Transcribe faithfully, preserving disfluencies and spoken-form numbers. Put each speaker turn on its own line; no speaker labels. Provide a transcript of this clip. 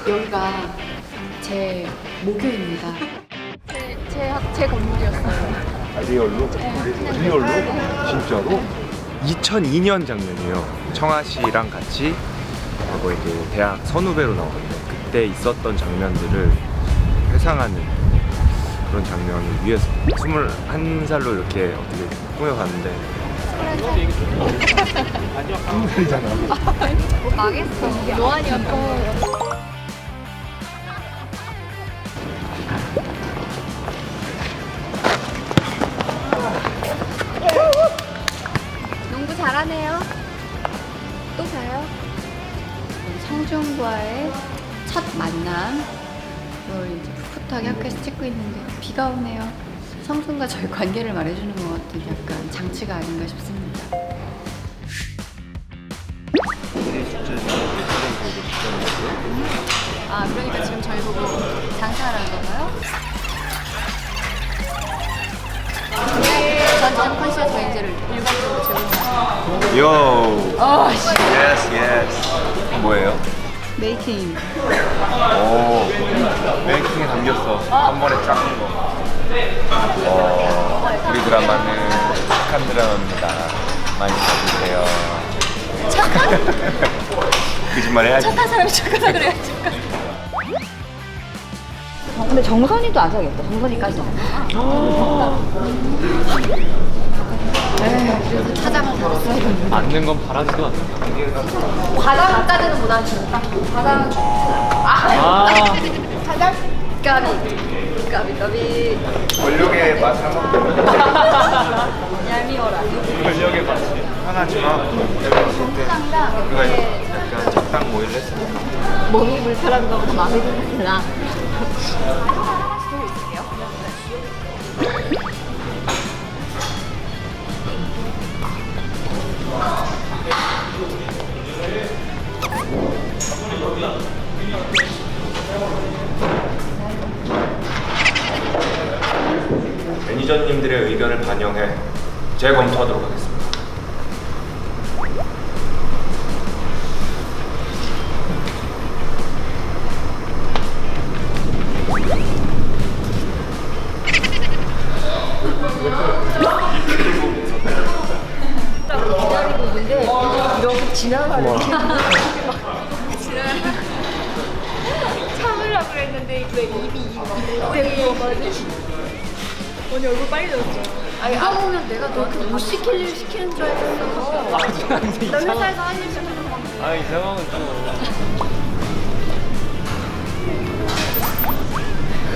여기가 제 모교입니다.
제, 제, 제 건물이었어요.
아, 리얼로? 리얼로? 진짜로? 이천이 년 장면이에요. 청아 씨랑 같이 하고 이제 대학 선후배로 나오는데 그때 있었던 장면들을 회상하는 그런 장면을 위해서 스물한 살로 이렇게 어떻게 꾸며봤는데 스무 살이잖아.
망했어. 노안이었던 농구 잘하네요. 또 가요?
성준과의 첫 만남. 을 이제 풋풋하게 학교에서 찍고 있는데 비가 오네요. 성준과 저희 관계를 말해주는 것 같은 약간 장치가 아닌가 싶습니다. 아, 그러니까 지금 저희 보고 장사하라는 건가요? 전장 컨시어스 렌즈를 일반적으로 제공하는
요.
어, 씨.
예스 예스. 뭐예요?
메이킹.
오, 메이킹에 담겼어. 한 번에 쫙 한 거. 어, 우리 드라마는 착한 드라마입니다. 많이 봐주세요. 착한? 거짓말 해야지.
착한 사람이 착하다 그래야지.
근데 정선이도 안 사겠다. 정선이까지.
그래서 차장을 달았어야 되는데.
앉는 건 바라지도 않는다.
과장까지는 못 앉는다. 과장.
아,
과장?
까비. 까비, 까비.
권력의 맛 한번
얄미워라.
권력의 맛이 편하지만
정상당
우리가
이렇게
약간 적당 모의를 했으니까
몸이 불편한 거보다 마음이 불편하구나.
매니저님들의 의견을 반영해 재검토하도록 하겠습니다.
기다리고 있는데 이렇게 지나가는 게 참으려고 그랬는데 왜 입이 입이 언니 얼굴 빨개졌죠? 아니
누가 보면 내가 너한테 못 시킬 일 시키는 줄 알았어.
나 회사에서 한 일 시키는 건데
아, 이 상황은 좀.